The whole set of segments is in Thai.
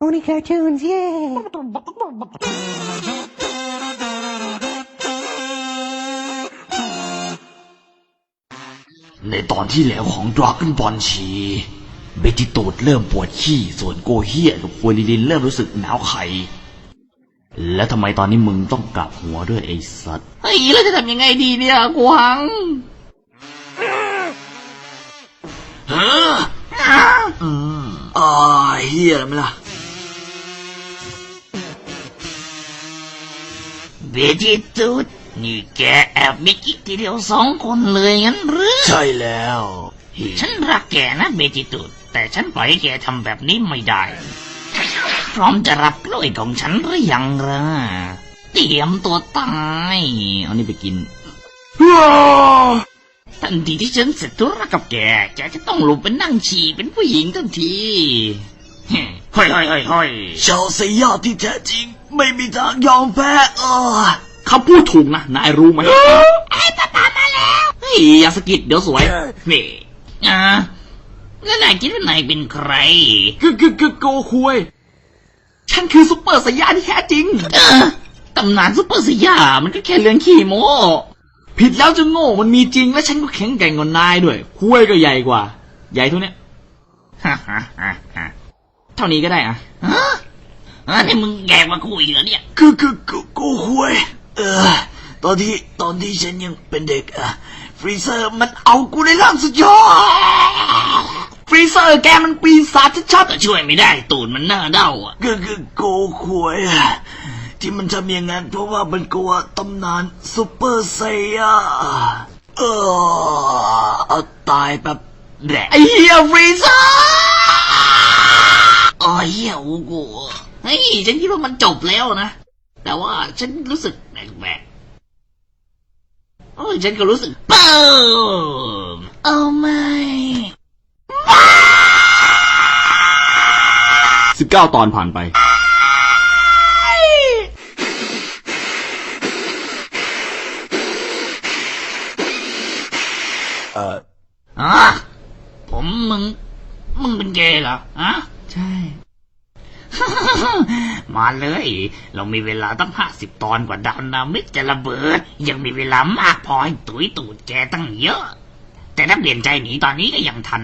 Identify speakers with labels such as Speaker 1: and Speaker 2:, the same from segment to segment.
Speaker 1: Only cartoons, yeah.
Speaker 2: ในตอนที่แล้วของดราก้อนบอลชีเบจิโตดเริ่มปวดขี้ส่วนโกเฮียกับโคลิลินเริ่มรู้สึกหนาวไข่แล้วทำไมตอนนี้มึงต้องกลับหัวด้วยไอ้สัตว์เฮ้ยแล้วจะทำยังไงดีเนี่ยกวางเฮียอะไรมั้ยล่ะ
Speaker 3: เบจิตูดนี่แกแอบมีกิ๊กทีเดียว2 คนเลยงั้นหรือ
Speaker 2: ใช่แล้ว
Speaker 3: ฉันรักแกนะเบจิตูดแต่ฉันปล่อยให้แกทำแบบนี้ไม่ได้พร้อมจะรับกล้วยของฉันหรือยังล่ะเตรียมตัวตาย
Speaker 2: เอานี่ไปกิน
Speaker 3: ทันทีที่ฉันเสร็จธุระกับแกจะต้องลงไปนั่งฉี่เป็นผู้หญิงทันทีเฮ้ย
Speaker 2: ชาวสยามที่แท้จริงไม่มีทางยอมแพ้คำพูดถูกนะนายรู้ไหม
Speaker 3: ไอ้ป้ามาแล้ว
Speaker 2: เฮ้ยอย่าสะกิดเดี๋ยวสวย
Speaker 3: นี่แล้วนายคิดว่านายเป็นใคร
Speaker 2: โกคุยฉันคือซุปเปอร์สยามที่แท้จริง
Speaker 3: ตำนานซุปเปอร์สยามมันก็แค่เรื่องขี้โม้
Speaker 2: ผิดแล้วจะโง่มันมีจริงและฉันก็แข็งแกร่งกว่านายด้วยคุยก็ใหญ่กว่าใหญ่เท่านี้เท่านี้ก็ได้
Speaker 3: นี่มึงแกมาคุยเหรอเนี่ย
Speaker 2: กูคุยตอนที่ฉันยังเป็นเด็กฟรีเซอร์มันเอากูในร่างสุดยอดฟรีเซอร์แกมันปีศาจชัด
Speaker 3: ๆช่วยไม่ได้ตูดมันหน้าเด้า
Speaker 2: กูคุยที่มันทำอย่างนั้นเพราะว่ามันกลัวตำนานซุปเปอร์ไซยาเอาตายแบบ
Speaker 3: แหละ
Speaker 2: ไอ้เหี้ยฟรีเซอร์
Speaker 3: เหี้ยโอ้โหเฮ้ยฉันคิดว่ามันจบแล้วนะแต่ว่าฉันรู้สึกแปลกฉันก็รู้สึกปุ๊มไม่
Speaker 2: 19 ตอนผ่านไป
Speaker 3: มึงเป็นเกย์เหรอ
Speaker 2: ใช่
Speaker 3: มาเลยเรามีเวลาตั้ง50 ตอนกว่าดาวนามิกจะระเบิดยังมีเวลามากพอให้ตุ๋ยตูดแกตั้งเยอะแต่ถ้าเปลี่ยนใจหนีตอนนี้ก็ยังทัน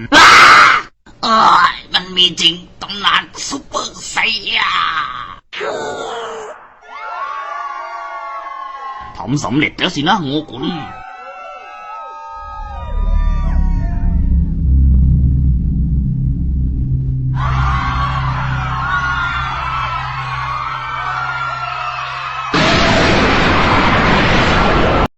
Speaker 3: มันมีจริงตำนานซุปเปอร์ไซยาทำสำเร็จแล้วสินะโง่กุล